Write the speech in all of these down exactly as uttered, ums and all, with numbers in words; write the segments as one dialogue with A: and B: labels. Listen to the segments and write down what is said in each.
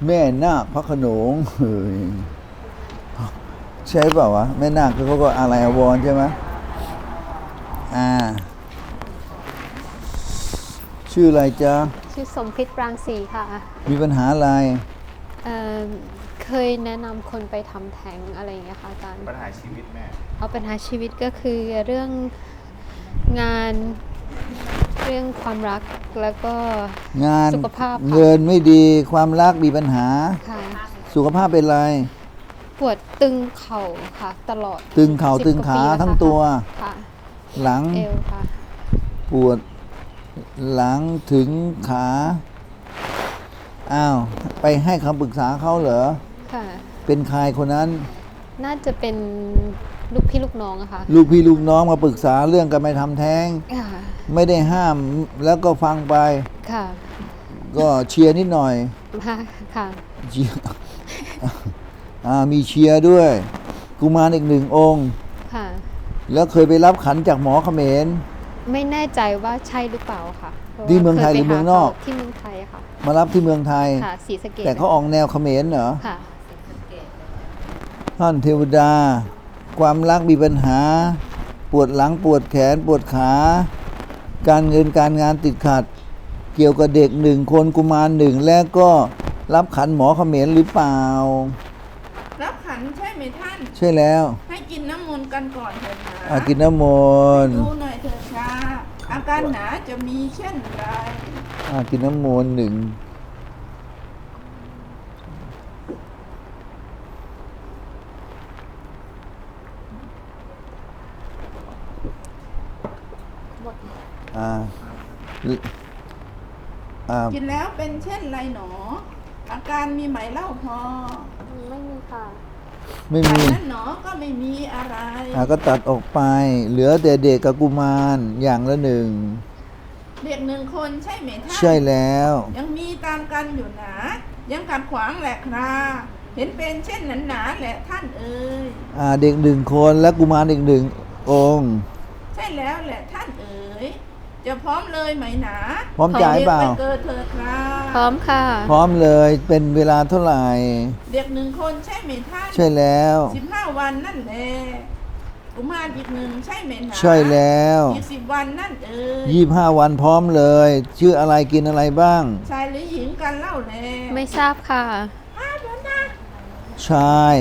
A: แม่นาคพระโขนงเฮ้ยใช่เปล่าวะแม่นาคเขาก็อะไรอววรใช่ไหมอ่าชื่ออะไรจ๊ะ
B: ชื่อสมพิษปรางศรีค่ะ
A: มีปัญหาอะไร
B: เอ่อเคยแนะนำคนไปทำแท้งอะไรอย่างเงี้ยค่ะอาจารย์
C: ปัญหาชีวิตแม่
B: เอาปัญหาชีวิตก็คือเรื่องงานเรื่องความรักแล้วก็
A: งาน
B: สุขภาพ
A: เงินไม่ดีความรักมีปัญหา
B: ค่ะ
A: สุขภาพเป็นไร
B: ปวดตึงเข่าค่ะตลอด
A: ตึงเข่าตึงขาทั้งตัว
B: ค่ะ
A: หลัง
B: เอวค่ะ
A: ปวดหลังถึงขาอ้าวไปให้คำปรึกษาเขาเหรอ
B: ค่ะ
A: เป็นใครคนนั้น
B: น่าจะเป็นลูกพี่ลูกน้องอะค่ะ
A: ลูกพี่ลูกน้องมาปรึกษาเรื่องการไปทำแท้งไม่ได้ห้ามแล้วก็ฟังไป
B: ค่ะ
A: ก็เชียร์นิดหน่อย
B: ค่ะ
A: เชียร์อ่ามีเชียร์ด้วยกุมารอีกหนึ่งองค์
B: ค่ะ
A: แล้วเคยไปรับขันจากหมอเขมร
B: ไม่แน่ใจว่าใช่หรือเปล่าค่ะ
A: ที่เมืองไทยหรือเมืองนอก
B: ที่เมืองไทยค่ะ
A: มารับที่เมืองไทย
B: ค่ะศรีสะเกษ
A: แต่เขาออกแนวเขมรเหรอ
B: ค่ะ
A: ท่านเทวดาความรักมีปัญหาปวดหลังปวดแขนปวดขาการเงินการงานติดขัดเกี่ยวกับเด็กหนึ่งคนกุมารหนึ่งแล้วก็รับขันหมอเขมรหรือเปล่า
D: รับขันใช่ไหมท่าน
A: ใช่แล้ว
D: ให้กินน้ำมนต์กันก่อนเถิดนะ
A: อากินน้ำมนต์
D: ดูหน่อยเถิดค่ะอาการหนาจะมีเช่นไร
A: อากินน้ำมนต์หนึ่งอ่า
D: อ่ากินแล้วเป็นเช่นไรหนออาการมีไหมเล่าพอ
B: ไม่มีค่ะ
A: ไม่มี
D: นั่นหนอก็ไม่มีอะไร
A: อ่าก็ตัดออกไปเหลือแต่เด็กกับกุมารอย่างละหนึ่ง
D: เด็กหนึ่งคนใช่ไหมท่าน
A: ใช่แล้ว
D: ยังมีตามกันอยู่หนายังกัดขวางแหละคราเห็นเป็นเช่นนั้นหนาแหละท่านเอ๋ย
A: อ่าเด็กหนึ่งคนและกุมารอีกหนึ่งองค์
D: ใช่แล้วแหละท่านเอ๋ยจะพร้อมเลยไหมหนา
A: พร้อมจ่ายเปล่า
D: เกิดเถิดครา
B: พร้อมค่ะ
A: พร้อมเลยเป็นเวลาเท่าไหร่
D: เด็กหนึ่งคนใช่ไหมท่าน
A: ใช่แล้ว
D: สิบห้าวันนั่นแหละกุมารอีกหนึ่งใช่ไหมหนา
A: ใช่แล้ว
D: อีกสิบวันนั่นเอ๋ย
A: ยี่สิบห้าวันพร้อมเลยชื่ออะไรกินอะไรบ้าง
D: ชายหรือหญิงกันเล่าแล
B: ไม่ทราบค่ะ
A: ชาย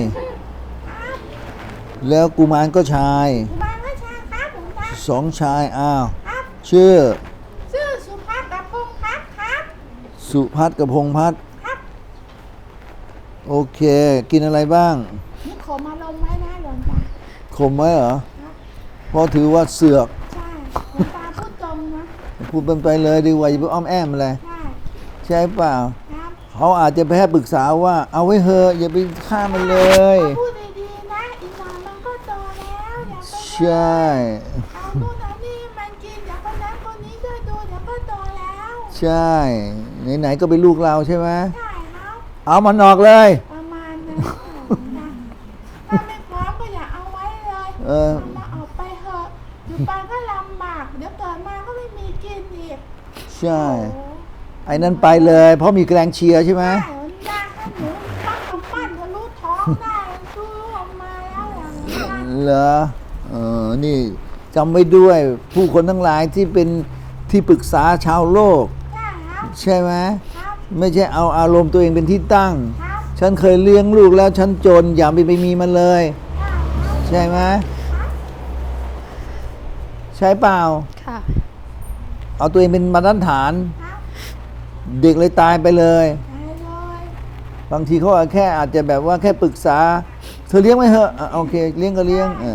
A: แล้วกุมารก็ชาย
D: กุมารก็ชายครับผมครับ
A: สองชายอ้าวชื่อ
D: ชื่อสุภัทรกับพงษ์พัฒน์ครับ
A: สุภัทรกับพงษ์พัฒน์
D: ครับ
A: โอเคกินอะไรบ้าง
D: นี่ขมมาลงไว้นะหลวงตา
A: ขมไหมเหรอเพราะถือว่าเสือก
D: ใช่หลวงตาพูดตรงนะ
A: พูดเป็นไปเลยดีกว่าอย่าไปอ้อมแอมอะไร
D: ใช่
A: ใช่เปล่าเขาอาจจะไปให้ปรึกษาว่าเอาไว้เถอะอย่าไปฆ่ามันเลย
D: พูดดีๆนะอีกหน่อยมันก็โตแล้วอย่าไป
A: ใช่
D: เอาดูนะนี่มันกินอย่าไปนั้นคนนี้ด้วยดูเดี๋ยวก็โตแล้ว
A: ใช่ไหนๆก็เป็นลูกเราใช่ไหม
D: ใช่ครับ
A: เอามันออกเลย
D: ประมาณนั้นถ้าไม่พร้อมก็อย่าเอาไว้เลยเออมาออกไปเถอะอยู่ไปก็ลำบากเดี๋ยวเกิดมาก็ไม่มีกินอีก
A: ใช่ไอ้นั่นไปเลยเพราะมีแรงเชียร์ใช่ไหม
D: ใช่ยากหนูต้องทำปั้นทะลุท้องได้ดูออกมาแล้วอย่างนี้
A: เหรอเออนี่จำไว้ด้วยผู้คนทั้งหลายที่เป็นที่ปรึกษาชาวโลกใช่ไหมไม่ใช่เอาอารมณ์ตัวเองเป็นที่ตั้งฉันเคยเลี้ยงลูกแล้วฉันจนอย่าไปไปมีมันเลยใช่ไหมใช่เปล่า
B: ค่ะ
A: เอาตัวเองเป็นมาตรฐานเด็กเลยตายไปเลยบางทีเขาแค่อาจจะแบบว่าแค่ปรึกษาเธอเลี้ยงไหมเหรอโอเคเลี้ยงก็เลี้ยงเออ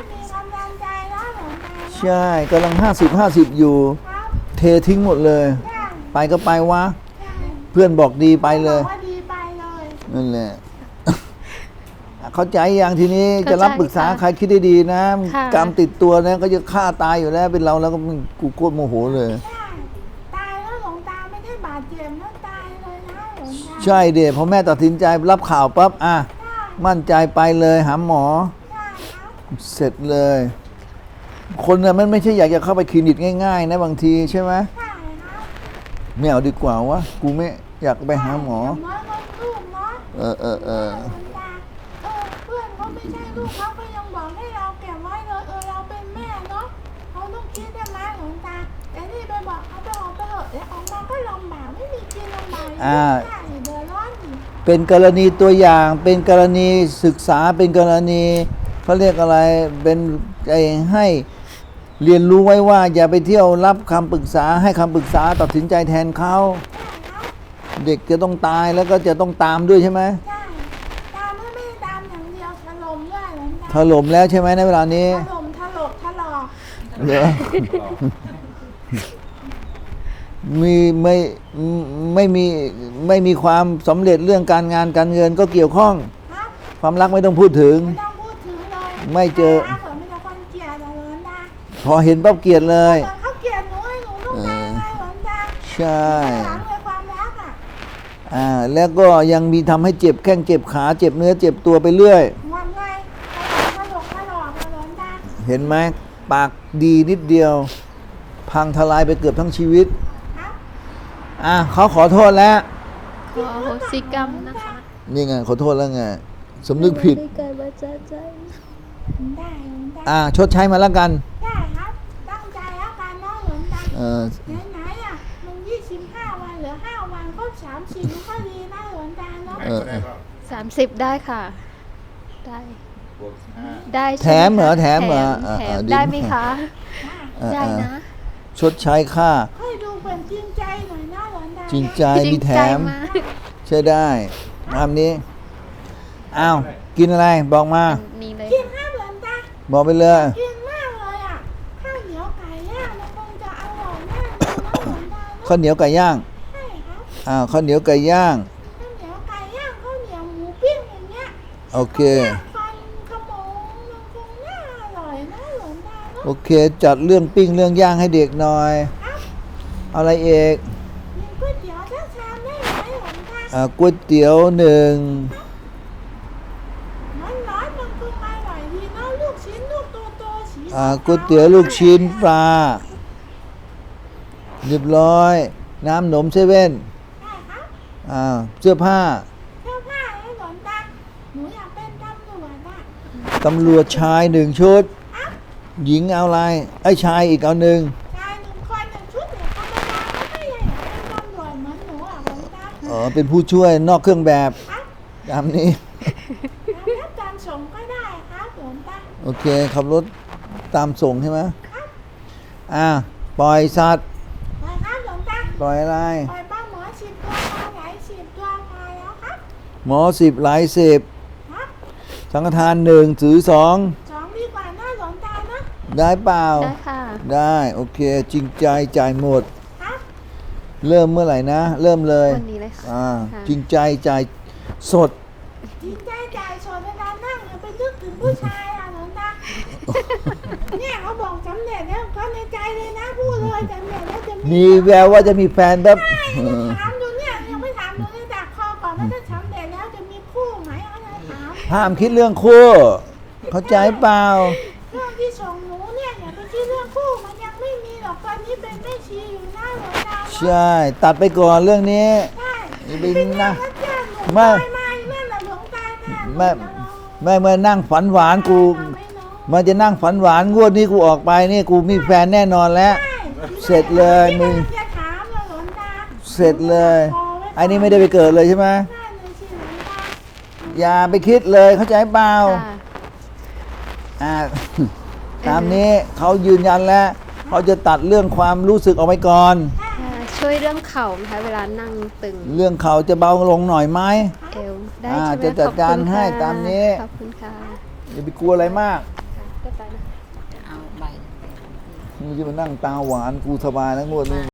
A: ใช่กำลังห้าสิบห้าสิบอยู่เททิ้งหมดเลยไปก็ไปวะเพื่อนบอกดีไปเลยนั่นแหละเข้าใจอย่างทีนี้จะรับปรึกษาใครคิดได้ดีนะกรรมติดตัวนะก็จะฆ่าตายอยู่แล้วเป็นเราแล้วก็กูโคตรโมโหเลยใช่เด็กพอแม่ตัดสินใจรับข่าวปั๊บอ่ะมั่นใจไปเลยหาหมอเสร็จเลยคนน่ะมันไม่ใช่อยากจะเข้าไปคลินิกง่ายๆนะบางทีใช่ไหมไม่เอาดีกว่าวะกูไม่อยากไปหาหมอ
D: ลูก
A: ออเออเออ
D: หลวงตาเออเพื่อนเขาไม่ใช่ลูกเขาก็ยังบอกให้เราเก็บไว้เลยเออเราเป็นแม่เนาะเขาต้องคิดได้ไหมหลวงตาแต่นี่ไปบอกเขาไปออกไปเถอะแล้วออกมาก็ลำบากไม่มีกินลำบาก
A: อ่า
D: ใช่เดือดร้อนอีก
A: เป็นกรณีตัวอย่างเป็นกรณีศึกษาเป็นกรณีเขาเรียกอะไรเป็นไอ้ให้เรียนรู้ไว้ว่า อย่าไปเที่ยวรับคำปรึกษาให้คำปรึกษาตัดสินใจแทนเขา
D: ใช่ครับ
A: เด็กจะต้องตายแล้วก็จะต้องตามด้วยใช่ไหม
D: ใช่ตามไม่ไม่ตามอย่างเดียวถล่มด้วยหลวงตา
A: ถล่มแล้วใช่ไหมในเวลานี้
D: ถล่มถลกถลอก
A: เหรอ มีไม่ไม่มีไม่มีความสำเร็จเรื่องการงานการเงินก็เกี่ยวข้อง
D: ครับ
A: ความรักไม่ต้องพูดถึง
D: ไม่ต้องพูดถึงเลย
A: ไม่เจอ
D: ถ้าเกิดไม่จะคนเกลียดอะหลวงตา
A: พอเห็นปั๊บเกลียดเลย
D: เกิดเขาเกลียดหนูให้หนูต้องการไงหลวงตา
A: ใช่
D: หลังเลยความรักอ่ะ
A: อ่าแล้วก็ยังมีทำให้เจ็บแข้งเจ็บขาเจ็บเนื้อเจ็บตัวไปเรื่อย
D: งอนไงถลกถลอกอะหลวงตา
A: เห็นไหมปากดีนิดเดียว พังทลายไปเกือบทั้งชีวิต
D: ครับ
A: อ่ะเขาขอโทษแล้ว
B: ขออโหสิกรรมนะคะ
A: นี่ไงขอโทษแล้วไงสำนึกผิด
B: ไม่เกิดมาจาใจ
D: ได้หลวงตา
A: อ่าชดใช้มาแล้วกัน
D: ได้ครับตั้งใจแล้วกันเนาะหลวงตา
A: เออ
D: ไหนๆอ่ะมันยี่สิบห้าวันเหลือห้าวันก็สามสิบมันก็ดีนะหลวงตาเนาะ
A: เออเออ
B: สามสิบได้ค่ะ ได้ ได้
A: แถมเหรอแถมเหรอ
B: แถม
A: อ่า
B: แถ
A: อ่าม ดี
B: ได้ไหมคะ
A: เออ
B: ได้
A: เออ
B: นะ
A: ชดใช้ค่า
D: ให้ดูเป็นจริงใจหน่อยนะหลวงตา
A: จริงใจมีแถม
B: จริงใจาก
A: ใช่ได้ตามนี้อ้าวกินอะไรบอกมา
B: อันนี้เลย
D: กินข้าวหลวงตา
A: บอกไปเลย
D: กินมากเลยอ่ะข้าวเหนียวไก่ย่างมันคงจะอร่อยแน่เลยนะหลวงตาเนาะ
A: ข้าวเหนียวไก่ย่าง
D: ใช่ครับ
A: อ้าวข้าวเหนียวไก่ย่าง
D: ข้าวเหนียวไก่ย่างข้าวเหนียวหมูปิ้งอย่างเงี้ย
A: โอเค
D: ฟันขโมงมันคงน่าอร่อยนะหลวงตาเนาะ
A: โอเค จัดเรื่องปิ้งเรื่องย่างให้เด็กหน่อย
D: ครับ
A: เอาอะไรเอก
D: มีก๋วยเตี๋ยวสักชามได้ไหมหลวงตา
A: อ่าก๋วยเตี๋ยวหนึ่ง
D: ร้อนๆมันคงอร่อยดีเนาะลูกชิ้นลูกโตๆสี
A: อ่าก๋วยเตี๋ยวลูกชิ้นปลาเรียบร้อย น้ำหนมเซเว่น
D: ได้ครับ
A: อ่าเสื้อผ้า
D: เสื้อผ้าให้หลวงตาหนูอยากเป็นตำรวจอะ
A: ตำรวจชายหนึ่งชุด หญิงเอาอะไรไอ้ชายอีกเอาหนึ่ง
D: ชายหนึ่งคนหนึ่งชุดเนี่ยธรรมดาไม่ใช่อยากเป็นตำรวจเหมือนหนูอะหลวงตา
A: อ๋อเป็นผู้ช่วยนอกเครื่องแบบ
D: ครับ
A: ตามนี้
D: รับการส่งก็ได้ครับหลวงตา
A: โอเคขับรถตามส่งใช่ไหมอ่าปล่อยสัตว์
D: ไปครับหลวงตา
A: ปล่อยอะไร
D: ปล่อยปลาหมอสิบตัวปลาไหลสิบตัวพอแล้วครับ
A: หมอสิบหลายสิบ
D: ครับ
A: สังฆทานหนึ่งถือสอง
D: สองดีกว่าน่าหลวงตานะ
A: ได้เปล่า
B: ได้ค่ะ
A: ได้โอเค จริงใจจ่ายหมด
D: ครับ
A: เริ่มเมื่อไหร่นะ เริ่มเลย
B: วันนี้เลยค่ะ
A: อ่า
B: ค่ะ
A: จริงใจจ่ายสด
D: จริงใจจ่ายสดเวลานั่งอย่าไปนึกถึงผู้ชายอะหลวงตา เนี่ยเขาบอกสำเร็จแล้วเขาในใจเลยนะพูดเลยสำเร็จแล้วจะมี
A: มีแววว่าจะมีแฟนแบบ
D: ใช่ถามดูเนี่ยยังไม่ถามดูเลยดักคอก่อนว่าถ้าสำเร็จแล้วจะมีคู่ไหมเขาจะถาม
A: ห้ามคิดเรื่องคู่ เข้าใจเปล่า
D: เรื่องที่ส่งหนูเนี่ยอย่าไปคิดเรื่องคู่มันยังไม่มีหรอกตอนนี้เป็นแม่ชีอยู่หน้าหลวงตา
A: ใช่ ตัดไปก่อนเรื่องนี้
D: ใช่
A: นี่
D: เป็
A: เป็น น
D: นะ
A: นะ
D: ไม่
A: ไม่
D: ไม่นั่นแหละหลวงตาแน่
A: ไม่ไม่เมื่อนั่งฝันหวานกู มันจะนั่งฝันหวานงวดนี้กูออกไปนี่กูมีแฟนแน่นอนแล้ว เสร็จเลยมึง
D: จะถามเลยหลวงตา
A: เสร็จเลยไอ้นี่ไม่ได้ไปเกิดเลยใช่ไหม
D: นั่นเลยสิหลวงตา
A: อย่าไปคิดเลยเข้าใจเปล่า
B: ค่ะ
A: อ่า ตามนี้เขายืนยันแล้วเขาจะตัดเรื่องความรู้สึกออกไปก่อน
B: ค่ะช่วยเรื่องเข่าไหมคะเวลานั่งตึง
A: เรื่องเขาจะเบาลงหน่อยไหม
B: เอวได้
A: อ่า
B: ใช่ไหม
A: จะจัดการ
B: ขอบคุณ
A: ให้
B: ค่ะ
A: ตามนี้
B: ขอบคุณค่ะ
A: อย่าไปกลัวอะไรมาก
B: ก็ไปนะ
C: เอาใบ
A: มึงจะมานั่งตาหวานกูสบายแล้วงวดนี้